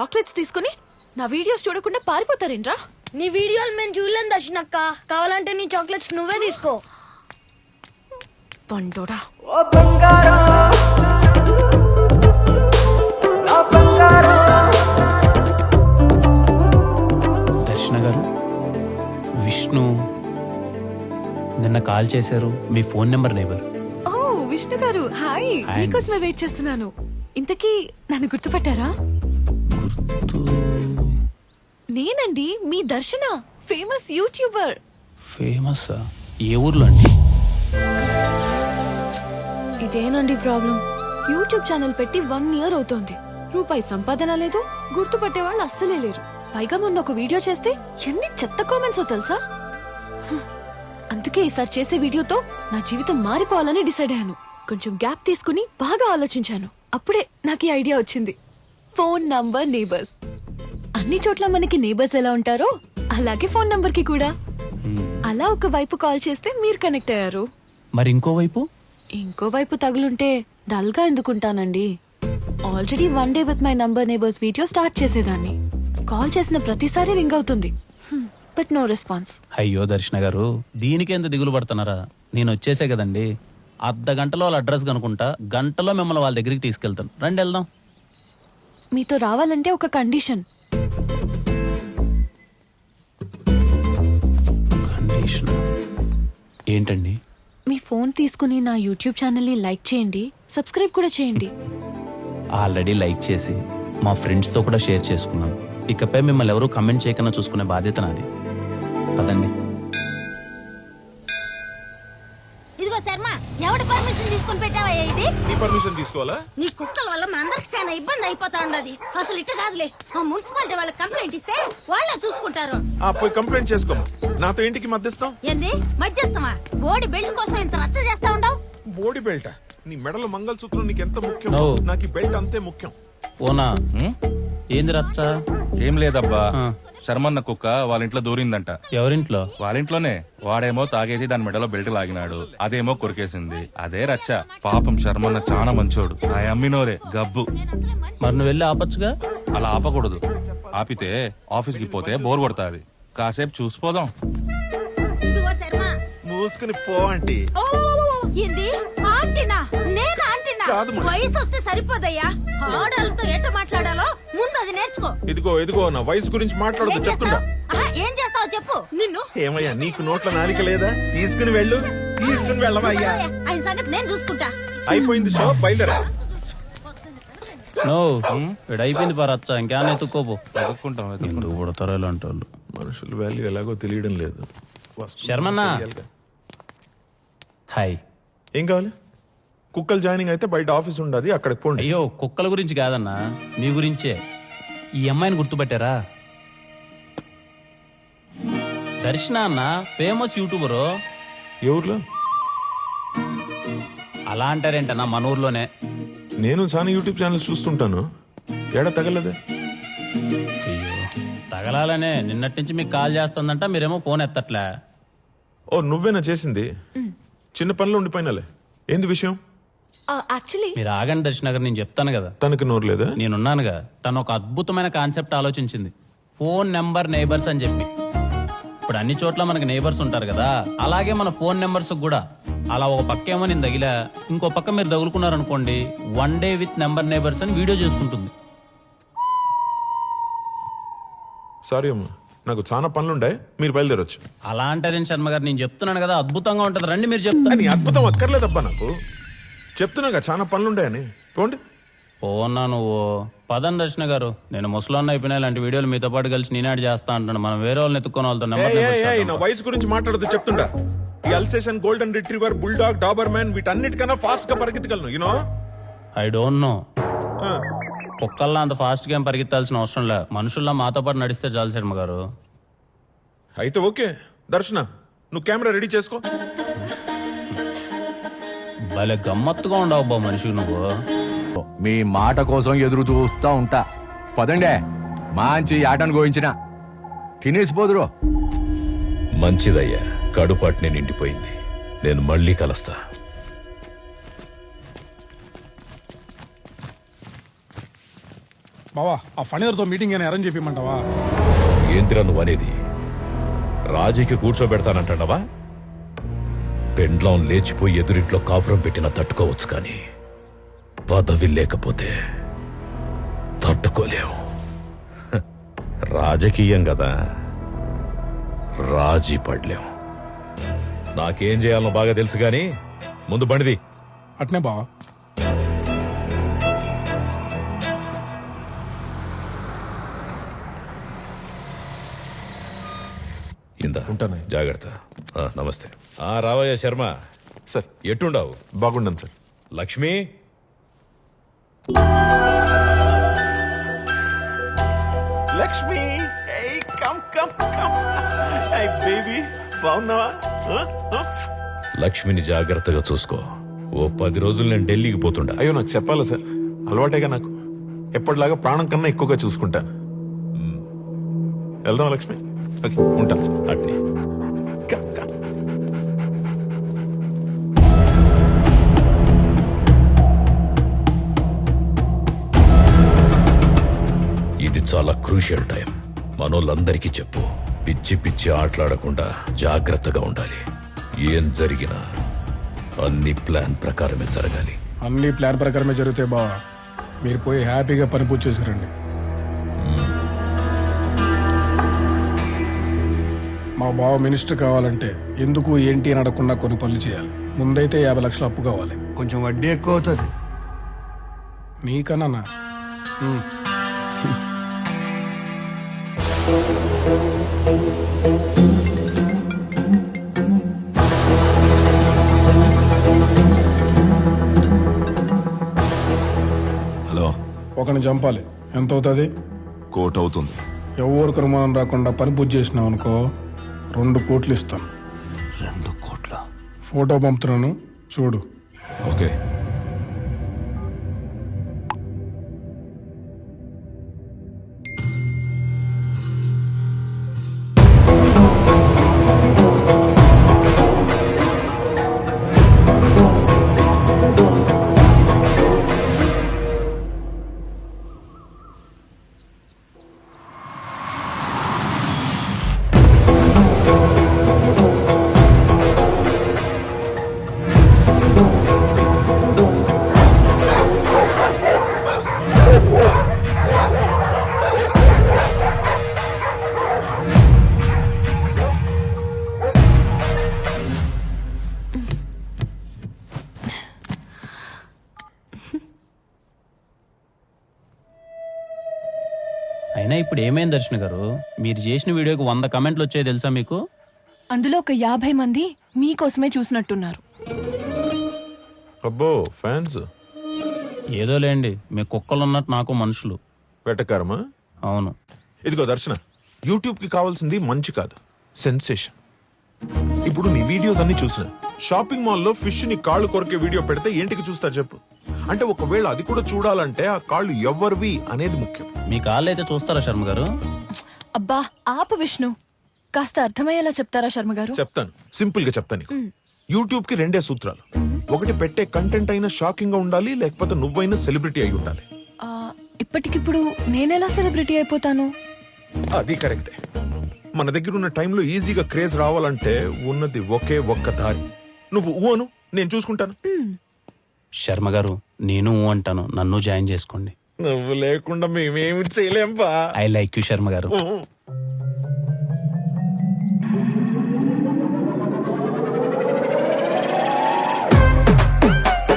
Chocolates తీసుకుని నా videos చూడకుండా పారిపోతారేంట్రా? నీ వీడియోలు మేము చూడలేం దర్శనక్క. కావాలంటే నీ చాక్లెట్స్ నువ్వే తీసుకో. పండోడా. దర్శన గారు, విష్ణు నిన్న కాల్ చేశారు. మీ ఫోన్ నెంబర్ నేబర్. ఓ విష్ణు గారు, హాయ్. మీకోసమే వెయిట్ చేస్తున్నాను. ఇంతకీ నన్ను గుర్తుపట్టారా? నేనండి మీ దర్శన, ఫేమస్ యూట్యూబర్. ఫేమస్? ఏ ఊర్లో అండి? ఇదేనండి ప్రాబ్లం. యూట్యూబ్ ఛానల్ పెట్టి 1 year అవుతోంది. రూపాయి సంపాదన లేదు, గుర్తుపట్టే వాళ్ళు అస్సలే లేరు. పైగా మొన్న ఒక వీడియో చేస్తే ఎన్ని చెత్త కామెంట్స్ తెలుసా? అందుకే ఈసారి చేసే వీడియోతో నా జీవితం మారిపోవాలని డిసైడ్ అయ్యాను. కొంచెం గ్యాప్ తీసుకుని బాగా ఆలోచించాను. అప్పుడే నాకు ఈ ఐడియా వచ్చింది. Phone number neighbours. అన్ని చోట్ల మనకి నేబర్స్ ఎలా ఉంటారో అలాగే ఫోన్ నంబర్ కి కూడా. అలా ఒక వైపు కాల్ చేస్తే మీరు కనెక్ట్ అయ్యారు. మరి ఇంకోవైపు తగులుంటే డల్ గా ఎందుకుంటానండి? Already 1 day with my number neighbours video start చేసేదాన్ని. కాల్ చేసిన ప్రతిసారి రింగ్ అవుతుంది, బట్ నో రెస్పాన్స్. అయ్యో దర్శన గారు, దీనికి ఎంత దిగులు పడుతున్నారా? నేను వచ్చేసే కదండి. అర్ధ గంటలో వాళ్ళ అడ్రస్ కనుకుంటా, గంటలో మిమ్మల్ని వాళ్ళ దగ్గరికి తీసుకెళ్తాను. రండి వెళ్దాం. మీతో రావాలంటే ఒక కండిషన్. కండిషన్ ఏంటండి? మీ ఫోన్ తీసుకుని నా యూట్యూబ్ ఛానల్ ని లైక్ చేయండి, సబ్స్క్రైబ్ కూడా చేయండి. ఆల్రెడీ లైక్ చేసి మా ఫ్రెండ్స్ తో కూడా షేర్ చేసుకున్నాను. ఇకపై మిమ్మల్ని ఎవరు కమెంట్ చేయకుండా చూసుకునే బాధ్యత నాది. పదండి. ఇదిగో శర్మ, ఎవడి పర్మిషన్ తీసుకుని పెట్టావా ఇది? నీ పర్మిషన్ తీసుకోవాలా? నీ కుక్కల వల్ల మా అందరికి చాలా ఇబ్బంది అయిపోతా ఉండదు. అసలు ఇట్ట కాదులే, ఆ మున్సిపాలిటీ వాళ్ళకి కంప్లైంట్ ఇస్తే వాళ్ళే చూసుకుంటారు. పోయి కంప్లైంట్ చేసుకో. నాతో ఇంటికి మధ్యస్థం ఏంది మధ్యస్థమా? బోడి బెల్ట్ కోసం ఇంత రచ్చ చేస్తా ఉండవు. బోడి బెల్ట్? నీ మెడలో మంగళసూత్రం నీకు ఎంత ముఖ్యం, No. నాకు ఈ బెల్ట్ అంతే ముఖ్యం. ఓనా? ఏంది రచ్చ? ఏం లేదబ్బా, శర్మన్న కుక్క వాళ్ళ ఇంట్లో దూరిందంట. ఎవరింట్లో? వాళ్ళ ఇంట్లోనే. వాడేమో తాగేసి దాని మెడలో బెల్ట్ లాగినాడు, అదేమో కొరికేసింది. అదే రచ్చ. పాపం శర్మన్న చాలా మంచోడు. ఆ అమ్మినోరే గబ్బు. మరి నువ్వు వెళ్ళి ఆపచ్చుగా. అలా ఆపకూడదు. ఆపితే ఆఫీస్కి పోతే బోర్ కొడతాది. కాసేపు చూసిపోదాం. ఇదిగో శర్మ, మూసుకుని పో ఆంటీ. ఓ ఏంది ఆంటీనా? నేను ఆంటీనా? కాదు మరి. వయసు వస్తే సరిపోదయ్యా. ఆడాలతో ఎట్ట మాట్లాడాలో ముందు అది నేర్చుకో. ఇదిగో నా వయసు గురించి మాట్లాడదు చెప్తుండా. ఏం చేస్తావు చెప్పు. నిన్ను ఏమయ్యా, నీకు నోట్ల నాలిక లేదా? తీసుకుని వెళ్ళు. తీసుకుని వెళ్ళవా అయ్యా? ఆయన సంగతి నేను చూసుకుంటా. అయిపోయింది షో, బయలుదేరా. నో, ఇక్కడ అయిపోయింది పా రచ్చ. ఇంకేమైనా ఎత్తుక్కోపో. వెతుక్కుంటాం. ఎందుకు పుడతారో ఇలాంటి వాళ్ళు. మనుషుల వాల్యూ ఎలాగో తెలియడం లేదు. శర్మన్న. హాయ్. ఏం కావాలి? కుక్కలు జాయినింగ్ అయితే బయట ఆఫీస్ ఉండదు, అక్కడికి పోండి. అయ్యో, కుక్కల గురించి కాదన్నా, మీ గురించే. ఈ అమ్మాయిని గుర్తుపట్టారా? దర్శన అన్న, ఫేమస్ యూట్యూబరు. ఏ ఊర్లో? అలా అంటారేంటన్నా, మన ఊర్లోనే. నేను చాలా యూట్యూబ్ ఛానల్స్ చూస్తుంటాను. ఏడా తగలదే? అయ్యో, తగలాలనే నిన్నటి నుంచి మీకు కాల్ చేస్తుందంట, మీరేమో ఫోన్ ఎత్తట్లే. ఓ, నువ్వేనా చేసింది? చిన్న పనులు ఉండిపోయినాలే. ఏంది విషయం? యాక్చువల్లీ మీరు ఆగండి దర్శన గారు, నేను చెప్తాను కదా. తనకి నోరు లేదా? నేనున్నానుగా. తను ఒక అద్భుతమైన కాన్సెప్ట్ ఆలోచించింది, ఫోన్ నెంబర్ నేబర్స్ అని చెప్పి. ఇప్పుడు అన్ని చోట్ల మనకి నేబర్స్ ఉంటారు కదా, అలాగే మన ఫోన్ నెంబర్స్ కూడా. అలా ఒక పక్క ఏమో నేను తగిలా, ఇంకో పక్క మీరు తగులుకున్నారనుకోండి, 1 day విత్ నెంబర్ నేబర్స్ అని వీడియో చేసుకుంటుంది. సారీ అమ్మా, నాకు చాలా పనులుండే, మీరు బయలుదేరొచ్చు. అలా అంటారేం శర్మ గారు, నేను చెప్తున్నాను కదా అద్భుతంగా ఉంటుంది. రండి మీరు చెప్తాను. నీ అద్భుతం అక్కర్లేదబ్బా, నాకు చెప్తున్నాగా చాలా పనులుండాయని. పోండి. పోన్నా నువ్వు. పదం దర్శన గారు, నేను ముసలాన్న అయిపోయినా ఇలాంటి వీడియోలు మీతో పాటు కలిసి నేనాడు చేస్తా అంటాను. మనం వేరే వాళ్ళని ఎత్తుకొని వాళ్ళతో నా వయసు గురించి మాట్లాడదు చెప్తుండా. ఈ Alsatian, golden retriever, bulldog, Doberman వీటన్నిటికన్నా ఫాస్ట్ గా పరిగెత్తగలను. You know, I don't know. కుక్కల్లా అంత ఫాస్ట్ గా ఏం పరిగెత్తాల్సిన అవసరం లే. మనుషుల్లా మాతో పాటు నడిస్తే చాలు శర్మ గారు. అయితే ఓకే. దర్శన, నువ్వు కెమెరా రెడీ చేసుకో. భలే గమ్మత్తుగా ఉండవు బా మనిషి నువ్వు. మీ మాట కోసం ఎదురు చూస్తా ఉంటా. పదండే, మంచి ఆటను గోయించిన తినేసిపోదురు. మంచిదయ్యా, కడుపాటిని నిండిపోయింది. నేను మళ్ళీ కలుస్తా. బావా ఆ ఫణిధర్తో మీటింగ్ అని అరేంజ్ చెప్పమంటావా? ఏంటిరా నువ్వు అనేది? రాజీకి కూర్చోబెడతానంటావా? పెండ్లం లేచిపోయి ఎదురింట్లో కాపురం పెట్టినా తట్టుకోవచ్చు కానీ పదవి లేకపోతే తట్టుకోలేవు. హ, రాజకీయం కదా, రాజీ పడలేం. నాకేం చేయాలనో బాగా తెలుసు గాని ముందు బండిది. అట్నే బావా. ఇందా ఉంటాను. జాగ్రత్త. నమస్తే. రావయ్య శర్మ. సార్ ఎట్టుండవు? బాగుండను sir. Lakshmi, Lakshmi come come come baby బాగున్నావా? లక్ష్మిని జాగ్రత్తగా చూసుకో. ఓ 10 రోజులు నేను ఢిల్లీకి పోతుండా. అయ్యో నాకు చెప్పాలా సార్, అలవాటేగా నాకు. ఎప్పటిలాగా ప్రాణం కన్నా ఎక్కువగా చూసుకుంటాను. వెళ్దాం లక్ష్మి. ఓకే ఉంటాను సార్. అట్నే. Come come. ఇది చాలా క్రూషియల్ టైం. మనోళ్ళందరికీ చెప్పు, పిచ్చి పిచ్చి ఆటలాడకుండా జాగ్రత్తగా ఉండాలి. ఏం జరిగినా అన్ని ప్లాన్ ప్రకారమే జరగాలి. అన్ని ప్లాన్ ప్రకారమే జరుగుతాయి బావా. మీరు పోయి హ్యాపీగా పని పూర్తి చేశారండి. మా బావ మినిస్టర్ కావాలంటే ఎందుకు ఏంటి అని అడగకుండా కొన్ని పనులు చేయాలి. ముందైతే 50 లక్షలు అప్పు కావాలి. కొంచెం వడ్డీ ఎక్కువ అవుతుంది. నీకన్నా హలో, ఒకరిని చంపాలి. ఎంత అవుతుంది? కోట్ అవుతుంది. ఎవరికి అనుమానం రాకుండా పని పూర్తి చేసినావు అనుకో 2 కోట్లు ఇస్తాను. 2 కోట్ల? ఫోటో పంపుతున్నాను చూడు. ఓకే. అయినా ఇప్పుడు ఏమైంది దర్శన గారు? మీరు చేసిన వీడియోకి 100 కమెంట్లు వచ్చాయి తెలుసా మీకు? అందులో ఒక 50 మంది మీకోసమే చూసినట్టున్నారు. అబ్బో ఫ్యాన్స్. ఏదో లేండి, మీ కుక్కలు ఉన్నట్టు నాకు మనుషులు. వెటకారమా? అవును. ఇదిగో దర్శన, యూట్యూబ్ కి కావాల్సింది మంచి కాదు, సెన్సేషన్. ఇప్పుడు నీ వీడియోస్ అన్ని చూసిన షాపింగ్ మాల్లో ఫిష్ ని కాళ్ళు కొరికే వీడియో పెడితే ఏంటికి చూస్తా చెప్పు? అంటే ఒకవేళ అది కూడా చూడాలంటే ఆ కాళ్ళు ఎవరివి అనేది ముఖ్యం. మీ కాళ్ళు అయితే చూస్తారా శర్మ గారు? అబ్బా ఆపు విష్ణు, కాస్త అర్థమయ్యేలా చెప్తారా శర్మ గారు? చెప్తాను, సింపుల్ గా చెప్తాను నీకు. యూట్యూబ్ కి 2 సూత్రాలు. ఒకటి, పెట్టే కంటెంట్ అయినా షాకింగ్ గా ఉండాలి, లేకపోతే నువ్వైనా సెలబ్రిటీ అయి ఉండాలి. ఆ, ఇప్పటికిప్పుడు నేనెలా సెలబ్రిటీ అయిపోతాను? అది కరెక్టే. మన దగ్గర ఉన్న టైంలో ఈజీగా క్రేజ్ రావాలంటే ఉన్నది ఒకే ఒక్క దారి. నువ్వు ఊను, నేను చూసుకుంటాను. శర్మ గారు, నేను అంటాను, నన్ను జాయిన్ చేసుకోండి. నువ్వు లేకుండా మేమేమి చేయలేం బా. ఐ లైక్ యూ శర్మ గారు. ఊ.